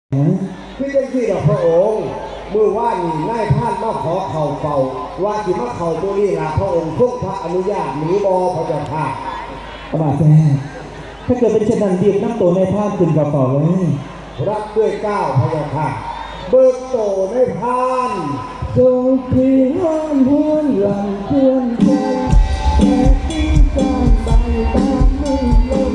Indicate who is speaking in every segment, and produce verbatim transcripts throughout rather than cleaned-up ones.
Speaker 1: พี่เป็นที่ดอกพระองค์มือว่านี่นายท่านมาขอเข่าเฝ้าว่าที่มาเข่าตัวนี้ละพระองค์ทรงพระอนุญาตหนีบอพระเจ้าค่ะ
Speaker 2: พระบาทแท้ถ้าเกิดเป็นเช่นนั้นดีบน้ำตัวในท่านขึ้นกระเป๋าเลย
Speaker 1: รับด้วยก้าวพระเจ้าค่ะเบิกโตในพาน
Speaker 2: ทรงที่ห้ามเพื่อนหลังเพื่อนใจแค่ทิ้งการใบตามมือลม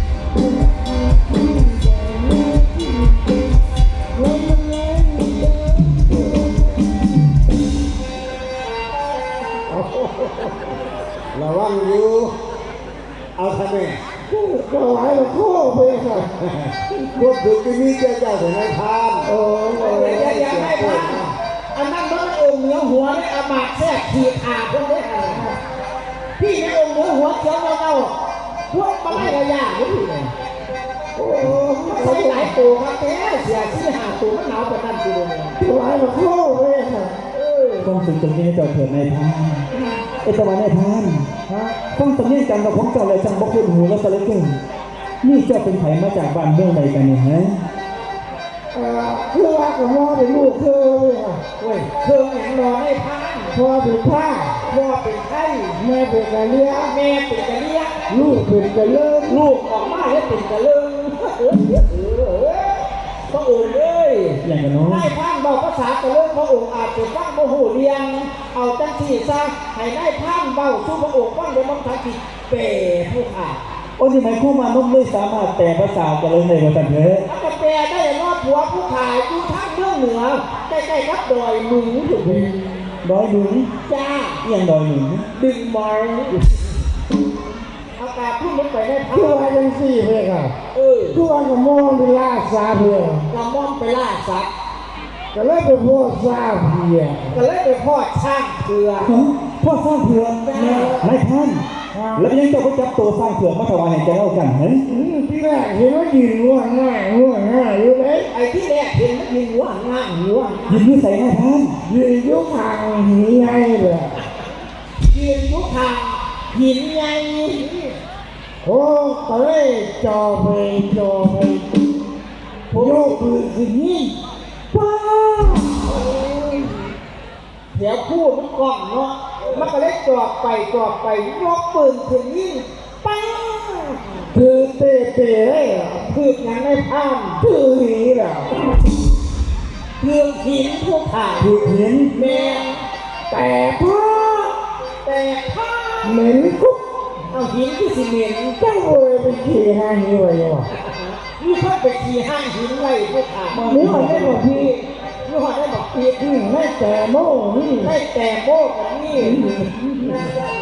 Speaker 1: ระวังอยู่เอาทำไม
Speaker 2: ก็หลายละข้อไปค่ะ
Speaker 1: พวกดึกที่นี่เจ้าเจ้าถึงให้ทาน
Speaker 2: โอ้ย
Speaker 3: อย่าอย่าให้พานอันนั้นมันองค์เหนือหัวได้อามาตแทรกขีดขาพวกนี้พี่ในองค์เหนือหัวเขียวเงาๆพวกมาไล่ระยะนี่เลยโอ้ใช้หลายตัวครับแกเสียที่หาตัวมันหนาวกว่านั้นตัวนึง
Speaker 2: หลายละข้อไปค่ะต้องถึงจุดนี้เจ้าเถิดในพานเอตวันในพานต้องตำแหน่งกันกับของเจ้าเลยจังบกุลหูและสเลเก่งนี่เจ้าเป็นไผ่มาจากบ้านเมืองใดกันเนี่ยฮะ
Speaker 3: เออคือว่ากับพ่อเป็นลูกเธอเลยค่ะเว้ยเธออย่างนอนให้พานพ่อเป็นผ้าพ่อเป็นไข่แม่เป็นกะเลี้ยแม่เป็นกะเลี้ยลูกเป็นกะเลิศลูกออกมาแล้วเป็นกะเลิศเออเออพระองค์เลย
Speaker 2: อย่างกันน้อง
Speaker 3: ให้พานบอกภาษากะเลิศพระองค์อาจจะฟังโมโหเรียงเอาจังสี่ซะให้ได้พานเบาสู้พระองค์ฟังโดยมันทันทีเป๋ผู้ขา
Speaker 2: โอ้ยหมายความว่าน้องไม่สามารถแต่ภาษากันเลยในภาษาเถอะ
Speaker 3: ถ้าจะแปลได้รอบหัวผู้ขายอยู่ทางเมืองเหนือใกล้ๆกับดอยหนูอยู่เลย
Speaker 2: ดอยหนุน
Speaker 3: จ้า
Speaker 2: อย่างดอยหนุน
Speaker 3: ดึงมอยอากาศพุ่งลงไปได้พัก
Speaker 2: คือว่าเป็นสี่เพลงอ่ะ
Speaker 3: เออ
Speaker 2: คือว่ากับมองไปล่าซาเพีย
Speaker 3: กระม่อมไปล่าสัตว์
Speaker 2: ก็เลยไปพ่อซาเพีย
Speaker 3: ก็เลยไปพ่อช่างเผือก
Speaker 2: พ่อสร้างเผือกนายท่านแล้วยังเจ้าก็จับตัวสร้างเผือกมาถวายให้แกเล่ากันเฮ้ย
Speaker 3: ที่แรกเห็นว่ายืนง่วงง่ายง่วงง่ายอยู่เลยไอ้ที่แรกเห็นว่ายืนง่วงง่ายง่วง
Speaker 2: ยืนยืนใส่นายท่าน
Speaker 3: ยืนยุคทางหินไงเลยยืนยุคทางหินไง
Speaker 2: โอ้ก็เลยจอไปจอไปโยกปืนขึ้นนี่ป้า
Speaker 3: เดี๋ยวพูดมันกล่องเนาะมันก็เลยจอบไปจอบไปยกปืนขึ้นยิงป้า
Speaker 2: คือเตะเตะเลย
Speaker 3: คือยังไม่พลาด
Speaker 2: คือหีแหละ
Speaker 3: คือหินพวกถ่าย
Speaker 2: คือหิน
Speaker 3: แม่
Speaker 2: แต่พ่อ
Speaker 3: แต่พ่อ
Speaker 2: เหม็นกุ๊ก
Speaker 3: เอาหินที่สิเหม็น
Speaker 2: จังเลยไปขี่ห้างนี้ไว้วะ
Speaker 3: นี่เพิ่งไปขี่ห้างหินไว้พวกถ่าย
Speaker 2: นี่มันได้บอกพี่
Speaker 3: นี่มันได้บอกพี่
Speaker 2: ให้แต่โม่นี่
Speaker 3: ให้แต่โม่กับนี่